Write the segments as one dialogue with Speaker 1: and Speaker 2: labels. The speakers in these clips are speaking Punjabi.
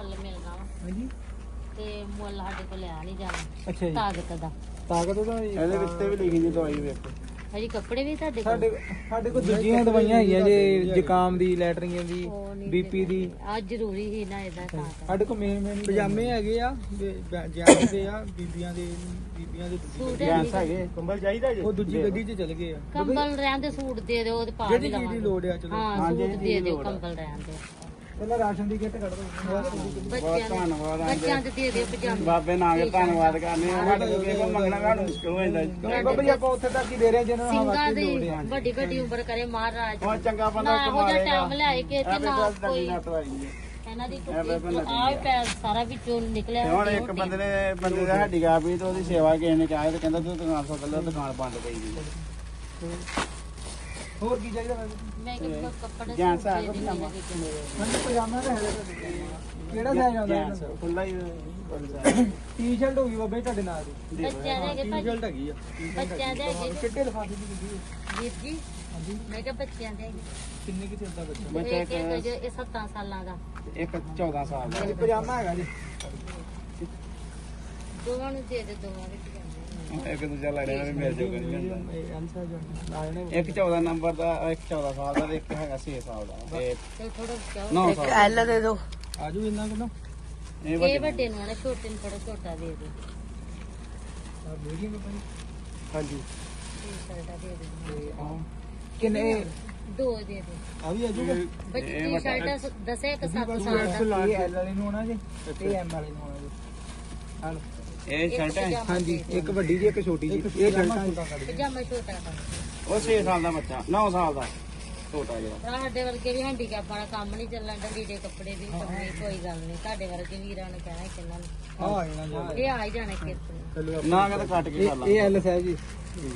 Speaker 1: ਮੁੱਲ ਮਿਲਣਾ ਵਾ
Speaker 2: ਹਾਂਜੀ
Speaker 1: ਤੇ ਮੁੱਲ ਸਾਡੇ ਕੋਲ ਲਿਆ ਨਹੀਂ ਜਾਣਾ
Speaker 2: ਅੱਛਾ ਜੀ
Speaker 1: ਤਾਕਤ ਦਾ
Speaker 2: ਤਾਕਤ ਦਾ
Speaker 3: ਇਹਦੇ ਵਿੱਚ ਵੀ ਲਿਖੀ ਦੀ ਦਵਾਈ ਵੇਖੋ
Speaker 1: ਹਜੀ ਕੱਪੜੇ ਵੀ ਤੁਹਾਡੇ ਕੋਲ
Speaker 2: ਸਾਡੇ ਕੋਲ ਦੂਜੀਆਂ ਦਵਾਈਆਂ ਹੈਗੀਆਂ ਜੇ ਜ਼ੁਕਾਮ ਦੀ ਲੈਟਰਿੰਗ ਦੀ ਬੀਪੀ ਦੀ
Speaker 1: ਆ ਜ਼ਰੂਰੀ ਹੀ ਨਾ ਇਹਦਾ ਤਾਂ
Speaker 2: ਸਾਡੇ ਕੋਲ ਮੇਨ ਪਜਾਮੇ ਹੈਗੇ ਆ ਜੈਂਟਸ ਦੇ ਆ ਬੀਬੀਆਂ ਦੇ
Speaker 1: ਸੂਟ
Speaker 3: ਜੈਂਸ ਹੈਗੇ ਕੰਬਲ ਚਾਹੀਦਾ ਜੀ
Speaker 2: ਉਹ ਦੂਜੀ ਗੱਡੀ 'ਚ ਚਲੇ ਗਏ ਆ
Speaker 1: ਕੰਬਲ ਰਹਿਣ ਦੇ ਸੂਟ ਦੇ ਦਿਓ ਤੇ ਪਾ
Speaker 2: ਜਿਹੜੀ
Speaker 1: ਵੀ
Speaker 2: ਚੀਜ਼ ਦੀ
Speaker 1: ਲਵਾਂਗੇ
Speaker 2: ਲੋੜ ਆ ਚਲੋ
Speaker 1: ਹਾਂ ਸੂਟ ਦੇ ਦਿਓ ਕੰਬਲ ਰਹਿਣ ਦੇ
Speaker 2: ਪਹਿਲਾਂ ਰਾਸ਼ਨ ਦੀ ਕਿੱਟ ਕੱਢ ਦੋ
Speaker 1: ਬੱਚਿਆਂ
Speaker 3: ਧੰਨਵਾਦ
Speaker 1: ਬੱਚਿਆਂ ਦੇ ਦੇ ਦਿਓ ਪਜਾਮੇ
Speaker 3: ਬਾਬੇ ਨਾਮ ਧੰਨਵਾਦ ਕਰਨੇ ਆ ਸਾਡੇ ਕੋਲ ਕਿਸੇ ਕੋਲ ਮੰਗਣਾ ਸਾਨੂੰ ਮੁਸ਼ਕਿਲ ਹੋ ਜਾਂਦਾ
Speaker 2: ਬਾਬਾ ਜੀ ਆਪਾਂ ਉੱਥੇ ਤੱਕ ਹੀ ਦੇ ਰਹੇ ਹਾਂ ਜਿਹਨਾਂ ਨੂੰ
Speaker 1: ਸਿੰਘਾਂ
Speaker 2: ਹਵਾ
Speaker 1: ਦੀ
Speaker 2: ਦੀ ਲੋੜ ਆ
Speaker 1: ਵੱਡੀ ਵੱਡੀ ਉਮਰ ਕਰੇ ਮਹਾਰਾਜ
Speaker 3: ਉਹ ਚੰਗਾ ਬੰਦਾ
Speaker 1: ਨਾ ਉਹ ਜਿਹਾ ਟਾਈਮ ਲਿਆਏ ਕਿ ਤੇ ਨਾ ਕੋਈ
Speaker 3: ਦਵਾਈ
Speaker 1: ਇਹਨਾਂ ਦੀ ਆਹ ਪੈਰ ਸਾਰਾ ਵਿੱਚੋਂ ਨਿਕਲਿਆ
Speaker 3: ਹੁਣ ਇੱਕ ਬੰਦੇ ਦਾ ਹੱਡੀ ਗਾ ਵੀ ਤੇ ਉਹਦੀ ਸੇਵਾ ਕਿਸੇ ਨੇ ਕਿਹਾ ਤੇ ਕਹਿੰਦਾ ਤੂੰ ਦੁਕਾਨ ਸੋਚ ਲੈ ਦੁਕਾਨ ਬੰਦ ਪਈ ਜੀ
Speaker 2: ਹੋਰ ਕੀ ਚਾਹੀਦਾ
Speaker 1: ਮੈਂ ਕਿ ਕੱਪੜੇ
Speaker 3: ਜੈਂਟਸ ਆ ਕੋਈ
Speaker 2: ਮੈਨੂੰ ਪਜਾਮਾ ਤਾਂ ਹੈ ਕਿਹੜਾ ਸਾਈਜ਼ ਆਉਂਦਾ
Speaker 3: ਜੈਂਟਸ ਖੁੱਲਾ ਹੀ
Speaker 2: ਟੀ-ਸ਼ਰਟ ਹੋ ਗਈ ਬਾਬਾ ਜੀ ਤੁਹਾਡੇ ਨਾਲ ਦੀ
Speaker 1: ਬੱਚਿਆਂ ਦੇ ਹੈਗੇ ਭਾਜੀ
Speaker 2: ਟੀ-ਸ਼ਰਟ ਹੈਗੀ ਆ
Speaker 1: ਬੱਚਿਆਂ ਦੇ ਹੈਗੇ
Speaker 2: ਕਿੱਡੇ ਲਿਫਾਫੇ ਦੀ ਲੱਗੀ
Speaker 1: ਵੀਰ ਜੀ ਮੈਂ ਕਿਹਾ ਬੱਚਿਆਂ ਦੇ ਹੈਗੇ
Speaker 2: ਕਿੰਨੇ ਕਿ ਚੱਲਦਾ ਬੱਚਾ
Speaker 3: ਬੱਚਾ
Speaker 1: ਇੱਕ ਇੱਕ ਇਹ 7 ਸਾਲਾਂ ਦਾ
Speaker 3: ਇੱਕ 14 ਸਾਲ ਦਾ
Speaker 2: ਹਾਂਜੀ ਪਜਾਮਾ ਹੈਗਾ ਜੀ
Speaker 1: ਦੋਵਾਂ ਨੂੰ ਦੇ ਦੇ ਦੋਵਾਂ ਵਿੱਚ ਜਾਂਦੇ
Speaker 3: ਇੱਕ ਦੂਜਾ ਲੜੇ ਨਾਲ ਮਿਲ ਜੂਗਾ ਨਹੀਂ ਹੁੰਦਾ
Speaker 2: ਇਹ ਅਨਸਾ ਜੋ ਲਾਏ ਨੇ
Speaker 3: ਇੱਕ 14 ਨੰਬਰ ਦਾ ਇੱਕ 14 ਸਾਲ ਦਾ ਤੇ ਇੱਕ ਹੈਗਾ 6 ਸਾਲ ਦਾ ਤੇ
Speaker 1: ਚਲ ਥੋੜਾ ਕਿਉਂ
Speaker 3: 9 ਸਾਲ ਦਾ।
Speaker 1: ਐਲ ਦੇ ਦਿਓ
Speaker 2: ਆਜੂ ਇੰਨਾ ਕਿੰਨਾ
Speaker 1: ਇਹ ਵੱਡੇ ਨੂੰ ਨਾ ਛੋਟੇ ਨੂੰ ਥੋੜਾ ਛੋਟਾ ਦੇ ਦੇ
Speaker 2: ਆ ਮੀਡੀਅਮ ਭਾਈ
Speaker 3: ਹਾਂਜੀ
Speaker 1: ਟੀ-ਸ਼ਰਟਾਂ ਦੇ ਦੇ
Speaker 2: ਤੇ ਆ ਕਿੰਨੇ
Speaker 1: ਦੋ ਦੇ ਦੇ
Speaker 2: ਆ ਵੀ ਆਜੂਗਾ
Speaker 1: ਬੱਚੇ ਟੀ-ਸ਼ਰਟਾਂ ਦੱਸੇ ਇੱਕ 7 ਸਾਲ ਦਾ
Speaker 2: ਇਹ ਐਲ ਵਾਲੇ ਨੂੰ ਹੋਣਾ ਜੀ ਤੇ ਐਮ ਵਾਲੇ ਨੂੰ ਹੋਣਾ ਜੀ ਹਾਂ
Speaker 3: ਇਹ ਸ਼ਰਟ ਹੈ
Speaker 2: ਹਾਂਜੀ ਇੱਕ ਵੱਡੀ ਜੀ ਇੱਕ ਛੋਟੀ ਜੀ ਇਹ ਸ਼ਰਟਾਂ
Speaker 1: ਪਜਾਮਾ ਛੋਟਾ ਦਾ
Speaker 3: ਉਹ 6 ਸਾਲ ਦਾ ਬੱਚਾ 9 ਸਾਲ ਦਾ ਛੋਟਾ ਜਿਹੜਾ
Speaker 1: ਭਰਾ ਸਾਡੇ ਵਰਗੇ ਵੀ ਹੈਂਡੀਕੈਪ ਵਾਲਾ ਕੰਮ ਨਹੀਂ ਚੱਲਣ ਦਾ ਲੀੜੇ ਕੱਪੜੇ ਦੀ ਕਮੀ ਕੋਈ ਗੱਲ ਨਹੀਂ ਤੁਹਾਡੇ ਵਰਗੇ ਵੀਰਾਂ ਨੂੰ ਕਹਿਣਾ ਕਿੰਨਾਂ ਨੂੰ
Speaker 2: ਆ ਇਹਨਾਂ
Speaker 1: ਇਹ ਆ ਹੀ ਜਾਣੇ ਕਿਰਤ ਨੂੰ
Speaker 2: ਚਲੋ
Speaker 3: ਨਾ ਕਹਿੰਦਾ ਕੱਟ ਕੇ ਕਰ ਲਾ
Speaker 2: ਇਹ ਐਲ ਸਾਈਜ਼ ਜੀ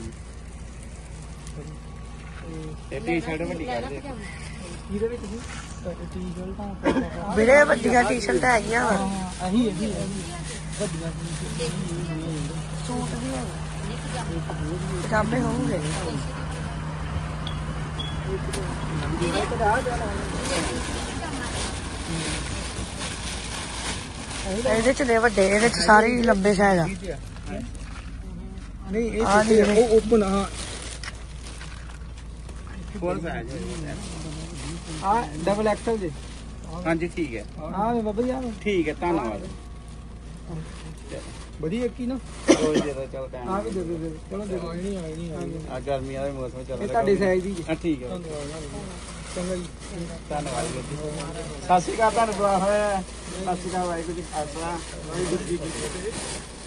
Speaker 3: ਇਹ ਟੀ-ਸ਼ਰਟ ਵੱਡੀ ਕਰ ਦੇ
Speaker 2: ਇਹਦੇ ਵਿੱਚ ਜੀ ਟੀ-ਸ਼ਰਟਾਂ
Speaker 4: ਵੀਰੇ ਵੱਡੀਆਂ ਟੀ-ਸ਼ਰਟਾਂ ਹੈਗੀਆਂ ਵਾ
Speaker 2: ਆਹੀ ਵੱਡੀਆਂ
Speaker 4: ਸੂਟ ਵੀ ਹੈਗੇ ਪਜਾਮੇ ਹੋਣਗੇ ਇਹਦੇ ਚ ਨੇ ਵੱਡੇ ਇਹਦੇ ਚ ਸਾਰੇ ਹੀ ਲੰਬੇ ਸਾਈਜ਼ ਆ
Speaker 2: ਨਹੀਂ ਇਹ ਛੋਟੇ ਉਹ ਓਪਨ ਹਾਂ
Speaker 3: ਫੁੱਲ ਸਾਈਜ਼
Speaker 2: ਆ ਡਬਲ ਐਕਸਲ ਜੀ
Speaker 3: ਹਾਂਜੀ ਠੀਕ ਹੈ
Speaker 2: ਆ ਬਾਬਾ ਜੀ ਆ
Speaker 3: ਠੀਕ ਹੈ ਧੰਨਵਾਦ
Speaker 2: ਵਧੀਆ ਇੱਕ ਹੀ ਨਾ
Speaker 3: ਚਲੋ ਜੀ ਦੇ ਚੱਲ ਟਾਈਮ
Speaker 2: ਆ ਵੀ ਦੇ ਦੇ ਚਲੋ ਦੇ ਦੋ ਨਹੀਂ
Speaker 3: ਆ ਗਰਮੀਆਂ ਦਾ ਮੌਸਮ ਚੱਲ
Speaker 2: ਇਹ
Speaker 3: ਰਿਹਾ
Speaker 2: ਤੁਹਾਡੇ ਸਾਈਜ਼ ਦੀ ਜੀ
Speaker 3: ਠੀਕ ਹੈ
Speaker 2: ਚੰਗਾ ਜੀ
Speaker 3: ਧੰਨਵਾਦ ਵੀਰ ਜੀ ਸਤਿ ਸ਼੍ਰੀ ਅਕਾਲ ਤੁਹਾਨੂੰ ਬੁਲਾ ਹੋਇਆ ਸਤਿ ਸ਼੍ਰੀ ਅਕਾਲ ਵਾਹਿਗੁਰੂ ਜੀ ਕਾ ਖਾਲਸਾ ਵਾਹਿਗੁਰੂ ਜੀ ਕੀ ਫਤਿਹ